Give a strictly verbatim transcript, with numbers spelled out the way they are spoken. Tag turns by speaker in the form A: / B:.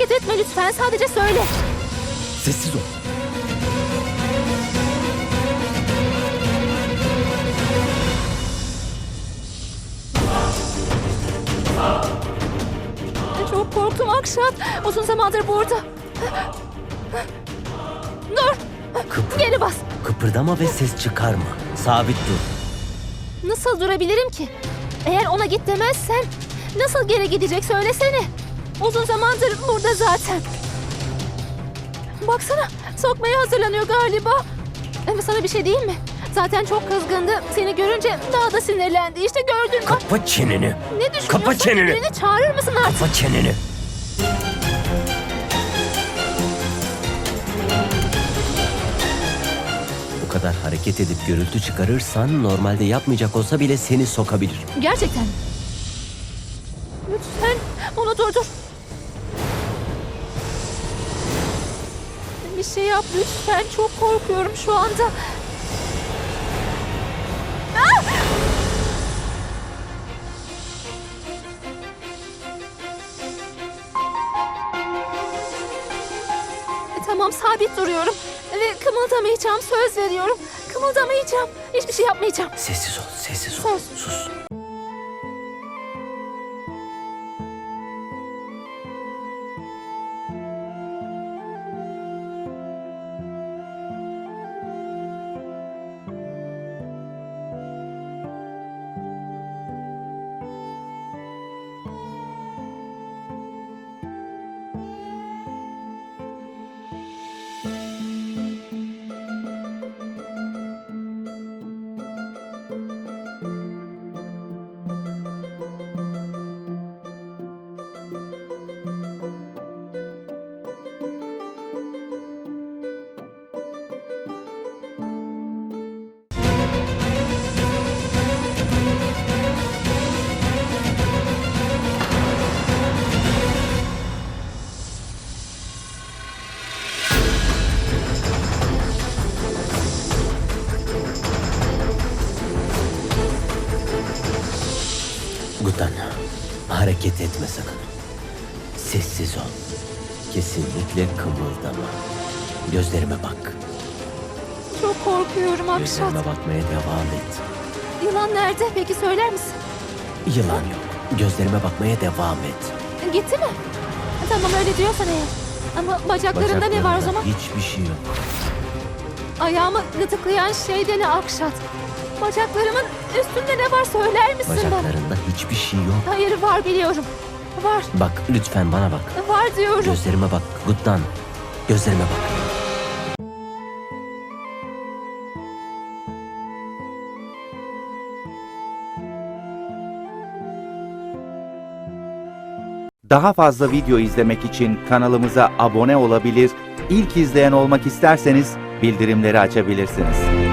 A: hareket etme lütfen. Sadece söyle.
B: Sessiz ol.
A: Çok korktum Akşat. Uzun zamandır burada. Dur.
B: Kıpır,
A: Geri bas.
B: kıpırdama ve ses çıkarma. Sabit dur.
A: Nasıl durabilirim ki? Eğer ona git demezsen nasıl geri gidecek söylesene. Uzun zamandır burada zaten. Baksana, sokmaya hazırlanıyor galiba. Ama sana bir şey diyeyim mi? Zaten çok kızgındı. Seni görünce daha da sinirlendi. İşte gördün mü?
B: Kapa çeneni.
A: Ne düşünüyorsun?
B: Kapa çeneni.
A: Birini çağırır mısın artık?
B: Kapa çeneni. Bu kadar hareket edip gürültü çıkarırsan normalde yapmayacak olsa bile seni sokabilir.
A: Gerçekten mi? Lütfen onu durdur. Bir şey yap lütfen. Çok korkuyorum şu anda. Ah! Tamam, sabit duruyorum. Ve kımıldamayacağım, söz veriyorum. Kımıldamayacağım. Hiçbir şey yapmayacağım.
B: Sessiz ol, sessiz ol.
A: Söz.
B: Sus. Guttan, hareket etme sakın. Sessiz ol. Kesinlikle kımıldama. Gözlerime bak.
A: Çok korkuyorum Akşat.
B: Gözlerime bakmaya devam et.
A: Yılan nerede? Peki söyler misin?
B: Yılan yok. Gözlerime bakmaya devam et.
A: Gitti mi? Tamam, öyle diyorsan eğer. Ama bacaklarında ne var o zaman?
B: Hiçbir şey yok.
A: Ayağımı gıdıklayan şey de ne Akşat? Bacaklarımın üstünde ne var söyler misin bana?
B: Bacaklarında hiçbir şey yok.
A: Hayır, var biliyorum. Var.
B: Bak lütfen bana bak.
A: Var diyorum.
B: Gözlerime bak Guttan. Gözlerime bak.
C: Daha fazla video izlemek için kanalımıza abone olabilir, ilk izleyen olmak isterseniz bildirimleri açabilirsiniz.